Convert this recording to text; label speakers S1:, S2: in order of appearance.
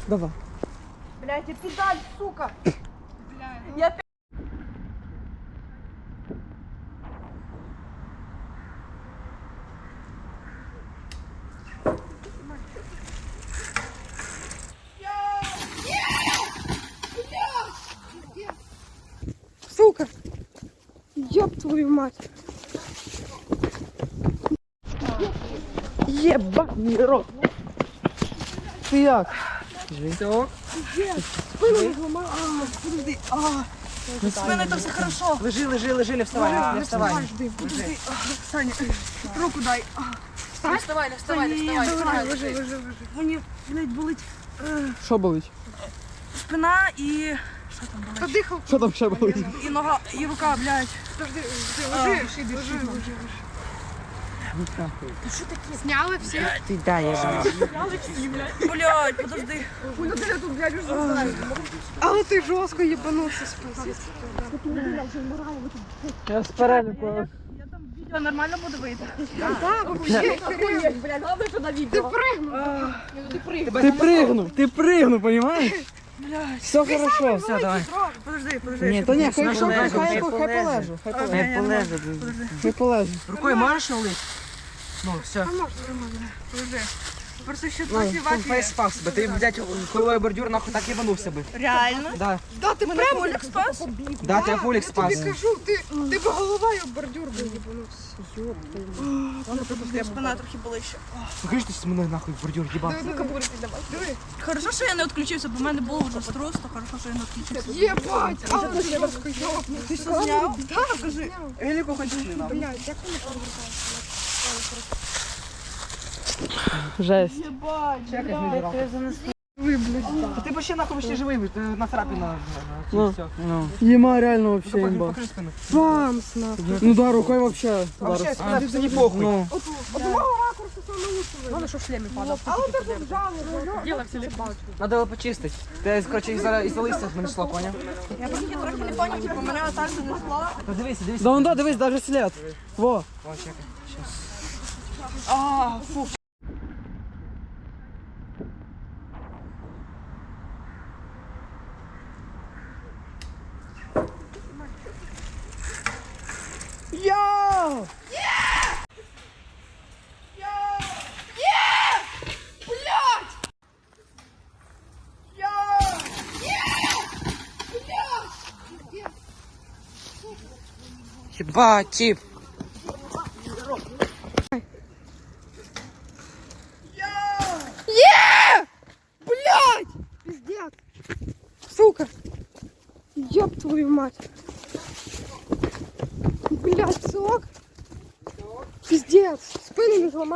S1: Давай.
S2: Блядь, я педаль, сука. Я
S1: Сука! Ёб твою мать! Єбаний рот! Ти як? Все?
S2: спину зламала. Подожди. Спина, это все хорошо.
S1: Лежи, не вставай, не вставай.
S2: Подожди. Саня, руку дай.
S3: Не вставай, не вставай, не вставай.
S2: Давай, лежи. Мені, блядь, болить
S1: Що болить?
S2: спина і... Що там болить? Подихав.
S1: Що там ще болить?
S2: І нога, і рука, блядь. Подожди, лежи.
S3: Сняли всі?
S1: Ти дай, я знаю.
S2: Блядь, подожди.
S3: Але ти жорстко їбанувся спасибо.
S1: Я з переліку.
S2: Я там відео нормально буде вийти?
S1: Ти пригнув, понимаєш?
S2: Блядь.
S1: Все хорошо, все, давай.
S2: Подожди.
S1: Ні, то ні, хай
S2: полежу,
S1: полежу. Хай полежу.
S4: Рукой можешь улыть? Ну, все.
S2: Подожди. Просто ще
S4: Ну,
S2: трохи вафі.
S4: фейс спас бы. Ты, блядь, хуевой бордюр нахуй так ебанулся бы.
S2: Реально?
S4: Да.
S3: Да, ти
S2: Мене Олег спас?
S4: Да, тебя Фулик спас.
S3: тобі кажу, ти б головою об бордюр би їбанувся.
S2: Спина трохи болить ще.
S4: Ну, конечно, ты мной нахуй в бордюр ебал.
S2: Хорошо, що я не відключився, бо в мене було вже струс, то хорошо, що я не відключився.
S3: Єбать, але ти жорстко йобнув.
S2: Ти що зняв? Так, покажи.
S4: Элику хоть не надо.
S3: Блядь, як вони повертаються?
S1: Жесть.
S2: Єбать,
S4: Да ты вообще нахуй почти живый, ты на царапина.
S1: Ну,
S4: Все.
S1: Ема реально вообще имба.
S4: Покажи спину.
S3: Бамс, нахуй.
S1: Ну да, рукой вообще.
S4: Вообще, спина, это не похуй.
S1: Ну,
S3: От мого ракурсу саме лучше видно.
S2: Главное, що в шлемі падав.
S3: Але ти тут вжали,
S2: Діло все бачу.
S4: Надо его почистить. Ты, короче, из-за листьев нанесло, понял?
S2: Я просто трохи не поняв, типу, мене отак занесло.
S4: Ну, дивись.
S1: да он да, дивись, даже след. Во.
S4: О, чекай. Сейчас.
S2: А, фу.
S1: Йоу!
S4: Ебать, тип.
S3: Пиздец. Сука. Ёб твою мать. Блядь, сок. Пиздец. Спину не зламав.